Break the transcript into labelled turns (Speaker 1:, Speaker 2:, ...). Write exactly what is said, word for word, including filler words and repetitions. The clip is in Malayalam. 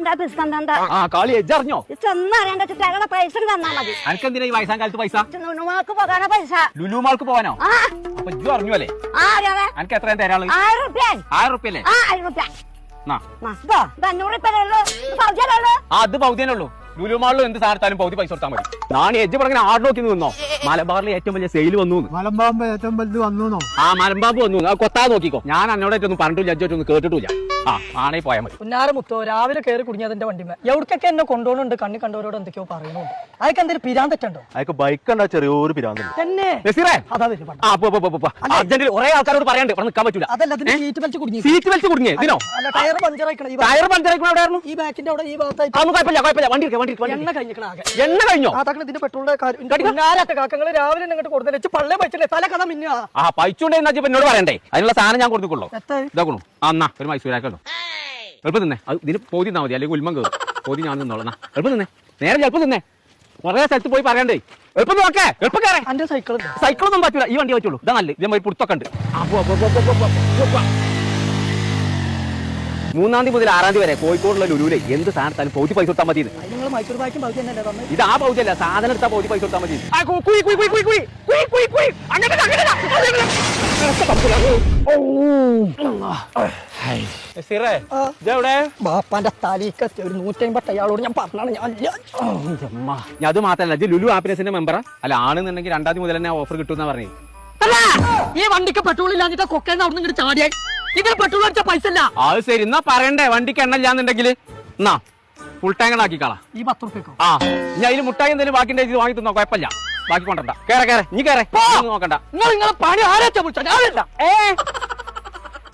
Speaker 1: ആ കളി എജ്ജറിഞ്ഞോ
Speaker 2: ചെന്നറിയാണ്ട് പൈസ തന്നാ മതി.
Speaker 1: അനക്കെന്തിനാ ഈ വയസ്സാം കാലത്ത് പൈസ?
Speaker 2: ലുലുമാൾക്ക് പോകാനാ പൈസ.
Speaker 1: ലുലുമാൾക്ക് പോകാനോ? അപ്പൊ ഇജ്ജു അറിഞ്ഞു അല്ലേ? അനക്ക് എത്രയും തരാള്?
Speaker 2: ആയിരം റുപ്യ.
Speaker 1: ആയിരം റുപ്യ അല്ലേ?
Speaker 2: ആയിരം റുപ്യ. അഞ്ഞൂറ് റുപ്യ.
Speaker 1: അത് പൗതിയനുള്ളൂ. ലുലുമാളിലും എന്ത് സാധനത്താലും പൗതി പൈസ കൊടുത്താൽ മതി. ഞാൻ എജ്ജ് പറഞ്ഞ ആട് നോക്കി നിന്നോ. മലബാറിൽ ഏറ്റവും വലിയ സെയിൽ വന്നു.
Speaker 3: മലമ്പാമ്പ് ഏറ്റവും വലുത് വന്നു.
Speaker 1: ആ മലമ്പാമ്പ് വന്നു. അത് കൊത്താതെ നോക്കിക്കോ. ഞാൻ എന്നോടായിട്ടൊന്നും പറഞ്ഞിട്ടില്ല, അജ്ജായിട്ടൊന്നും കേട്ടിട്ടില്ല. ആ ആണേ പോയാൽ മതി.
Speaker 4: ഉന്നാര മുത്തോ രാവിലെ കയറി കുടുങ്ങിയതിന്റെ വണ്ടിമേ എവിടേക്കൊക്കെ എന്നെ കൊണ്ടുപോകുന്നുണ്ട്. കണ്ണി കണ്ടവരോട് എന്തൊക്കെയോ പറയുന്നുണ്ട്. അതൊക്കെ എന്തെങ്കിലും പിരാന്തറ്റുണ്ടോ?
Speaker 3: അതൊക്കെ ബൈക്ക് ഉണ്ടാ ചെറിയൊരു പിരാന്ത്
Speaker 4: തന്നെ.
Speaker 1: അർജന്റിൽ കുറെ ആൾക്കാരോട് പറയാണ്ട് നിൽക്കാൻ പറ്റൂല.
Speaker 4: അതല്ല സീറ്റ് ബെൽറ്റ് കുടുങ്ങി.
Speaker 1: സീറ്റ് ബെൽറ്റ് കുടുങ്ങിയേ ഇതിനോ?
Speaker 4: ടയർ പഞ്ചറായിക്കണം.
Speaker 1: ടയർ പഞ്ചറായിക്കണം. എവിടെയായിരുന്നു?
Speaker 4: ഈ ബാക്കിന്റെ അവിടെ ഈ ഭാഗത്തായിട്ട്.
Speaker 1: അതൊന്നും കുഴപ്പമില്ല കുഴപ്പമില്ല. വണ്ടി വണ്ടി
Speaker 4: എണ്ണ കഴിഞ്ഞിക്കണം ആകെ.
Speaker 1: എണ്ണ കഴിഞ്ഞോ?
Speaker 4: അതൊക്കെ ഇതിന്റെ പെട്രോളിന്റെ കാര്യം കാക്കങ്ങള് രാവിലെ ഇങ്ങോട്ട് കൊടുത്തു വെച്ച് പള്ളേ പൈച്ചില്ലേ തല കഥ മിന്നാ.
Speaker 1: ആ പൈച്ചുണ്ടെന്ന് എന്നോട് പറയണ്ടേ? അതിനുള്ള സാധനം ഞാൻ കൊടുത്തുള്ളൂ. ഇതാക്കണു. എന്നാ ഒരു മൈസൂരാക്കല്ലോ. എളുപ്പം നിന്നേ. അത് ഇതിന് പോതി തന്നാ മതി, അല്ലെങ്കിൽ ഉൽമം കയറും. പോതി ഞാൻ നിന്നോളാം. എളുപ്പം നിന്നേ. നേരെ എളുപ്പം നിന്നേ. കുറെ സ്ഥലത്ത് പോയി പറയണ്ടേ. എളുപ്പം നോക്കേ. എളുപ്പം കയറേ.
Speaker 4: എന്റെ സൈക്കിൾ
Speaker 1: സൈക്കിളൊന്നും പറ്റൂല. ഈ വണ്ടി പറ്റുള്ളൂ. ഇതാ നല്ല ഇതേ പുറത്തൊക്കെ ഉണ്ട്. മൂന്നാം തീയതി മുതൽ ആറാം തീയതി വരെ കോഴിക്കോടുള്ള ലുലുവിലെ എന്ത് സാധനത്താലും പൗതി പൈസ കൊടുത്താൽ മതി.
Speaker 4: നിങ്ങൾ മൈസൂർ ബാക്കും പൗതി തന്നെ തന്നെ.
Speaker 1: ഇത് ആ പൗതിയല്ല, സാധനം എടുത്താൽ പൗതി പൈസ കൊടുത്താൽ മതി.
Speaker 4: ബാപ്പാന്റെ തലീക്കത്തി ഒരു നൂറ്റമ്പത്തി അയാളോട് ഞാൻ പറഞ്ഞാണ്.
Speaker 1: ഞാൻ അത് മാത്രല്ല, ഇത് ലുലു ഹാപ്പിനെസിന്റെ മെമ്പറാ. അല്ല ആണെന്നുണ്ടെങ്കിൽ രണ്ടാം തീയതി മുതൽ തന്നെ ഓഫർ കിട്ടുമെന്നാ പറഞ്ഞത്.
Speaker 4: ഈ വണ്ടിക്ക് പെട്രോൾ ഇല്ലാഞ്ഞിട്ട് കൊക്കേന്ന് അവിടെ നിന്ന് ചാടിയായി. ഇതിന് പെട്രോൾ അടിച്ച പൈസ ഇല്ല.
Speaker 1: അത് ശരി, എന്നാ പറയണ്ടേ വണ്ടിക്ക് എണ്ണ ഇല്ലാന്നുണ്ടെങ്കിൽ എന്നാ ഫുൾ ടാങ്ക് ആക്കിക്കളാ.
Speaker 4: ഈ പത്ത് റുപ്യക്കോ? ആ
Speaker 1: ഞാൻ അതിന് മുട്ടായി എന്തെങ്കിലും ബാക്കി ഇത് വാങ്ങി തന്നോ, കുഴപ്പമില്ല. ബാക്കി കൊണ്ടണ്ട. കേറെ കേറെ ഇനി കേറെ നോക്കണ്ട.
Speaker 4: നിങ്ങൾ നിങ്ങളെ പണി ആരാച്ചാ വിളിച്ചാ? ഞാനല്ല.
Speaker 1: ഏ